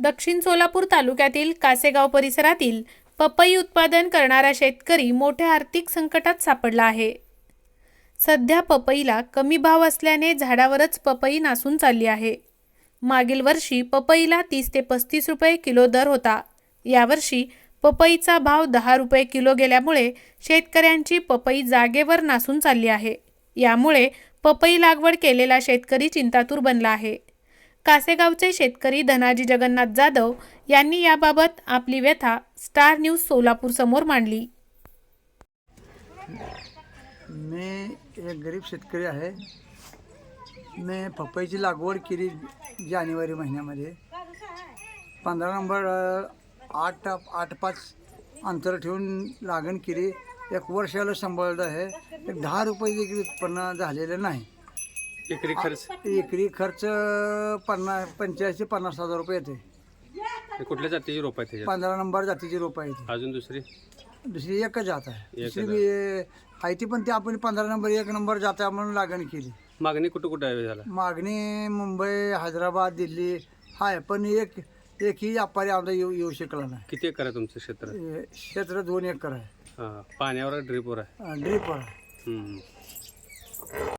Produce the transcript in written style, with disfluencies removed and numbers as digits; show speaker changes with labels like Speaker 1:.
Speaker 1: दक्षिण सोलापूर तालुक्यातील कासेगाव परिसरातील पपई उत्पादन करणारा शेतकरी मोठ्या आर्थिक संकटात सापडला आहे। सध्या पपईला कमी भाव असल्याने झाडावरच पपई नासून चालली आहे। मागील वर्षी पपईला 30 ते 35 रुपये किलो दर होता। यावर्षी पपईचा भाव 10 रुपये किलो गेल्यामुळे शेतकऱ्यांची पपई जागेवर नासून चालली आहे। यामुळे पपई लागवड केलेला शेतकरी चिंतातूर बनला आहे। कासेगावचे शेतकरी धनाजी जगन्नाथ जाधव यांनी याबाबत आपली व्यथा स्टार न्यूज सोलापूर समोर मांडली।
Speaker 2: मी एक गरीब शेतकरी आहे। मी पपईची लागवड केली जानेवारी महिन्यामध्ये 15 नंबर 8-5 अंतर ठेवून लागण केली। एक वर्षाला सांभाळलं आहे। एक 10 रुपये देखील उत्पन्न झालेलं नाही। एकरी खर्च 85 ते 50 हजार रुपये येते।
Speaker 3: कुठल्या जातीची रोप आहे त्याच्यात?
Speaker 2: 15 नंबर जातीची रोप आहे।
Speaker 3: अजून दुसरी
Speaker 2: एकच जात आहे। दुसरी बी आहे ती, पण ती आपण 15 नंबर 1 नंबर जात आहे म्हणून लागण केली।
Speaker 3: मागणी कुठं आहे झाला?
Speaker 2: मागणी मुंबई, हैदराबाद, दिल्ली आहे, पण एकही व्यापारी आमचा येऊ शकला नाही।
Speaker 3: किती एकर आहे तुमचं क्षेत्र?
Speaker 2: क्षेत्र 2 एकर आहे।
Speaker 3: हां, पाण्यावर ड्रिपवर आहे?
Speaker 2: ड्रीपवर आहे।